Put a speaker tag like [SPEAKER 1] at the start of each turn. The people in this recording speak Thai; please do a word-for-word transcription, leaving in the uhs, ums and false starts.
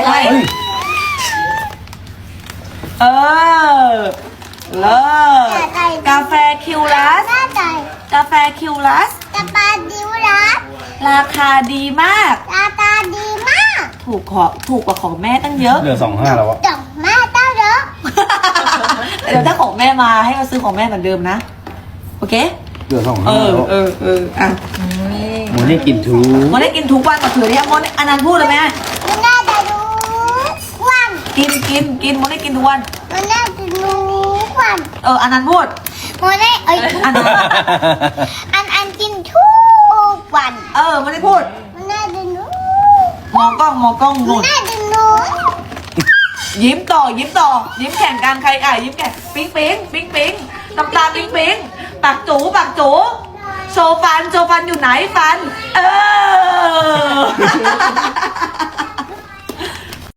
[SPEAKER 1] ให้ เออเลิศกาแฟคิวลัสกาแฟคิวลัส
[SPEAKER 2] กาแฟดิวรัส
[SPEAKER 1] ราคาดีมาก
[SPEAKER 2] ราคาดีมาก
[SPEAKER 1] ถูกขอถูกกว่าของแม่ตั้งเยอะ
[SPEAKER 3] เหลือสองห้าแล้ววะ
[SPEAKER 2] ดอกไม้เต้าเยอะ
[SPEAKER 1] เดี๋ยวถ้าของแม่มาให้มาซื้อของแม่เหมือนเดิมนะ โอเค
[SPEAKER 3] เหลือสอง
[SPEAKER 1] เอ
[SPEAKER 3] ห้า
[SPEAKER 1] อ
[SPEAKER 3] แล้ว
[SPEAKER 1] เออเอออ่ะ
[SPEAKER 3] โมนี่กินทู
[SPEAKER 1] โมได้กินทุกวันมาเถื่อนเนี่ยโมได้อันนั้นพูดเลยไหม
[SPEAKER 2] มันน่าจะรู้ควัน
[SPEAKER 1] กินกินกินโมได้กินทุกวัน
[SPEAKER 2] มันน่าจะรู้ควัน
[SPEAKER 1] เอออันนั้นพูด
[SPEAKER 2] มันได้เอ้ย
[SPEAKER 1] อันนั้น
[SPEAKER 2] อันอันกินทุกวัน
[SPEAKER 1] เออโมได้พูด
[SPEAKER 2] มันน่าจะรู้
[SPEAKER 1] มองกล้องมองกล้อง
[SPEAKER 2] มัน
[SPEAKER 1] นู่น
[SPEAKER 2] น่าจะรู้
[SPEAKER 1] ยิ้มต่อยิ้มต่อ ยิ้มแข่งกันใครอ่ะยิ้มแข่งปิ๊งปิ๊งปิ๊งปิ๊งน้ำตาปิ๊งปิ๊งปากจูปากจูโชว์ฟันโชว์ฟันอยู่ไหนฟัน เออ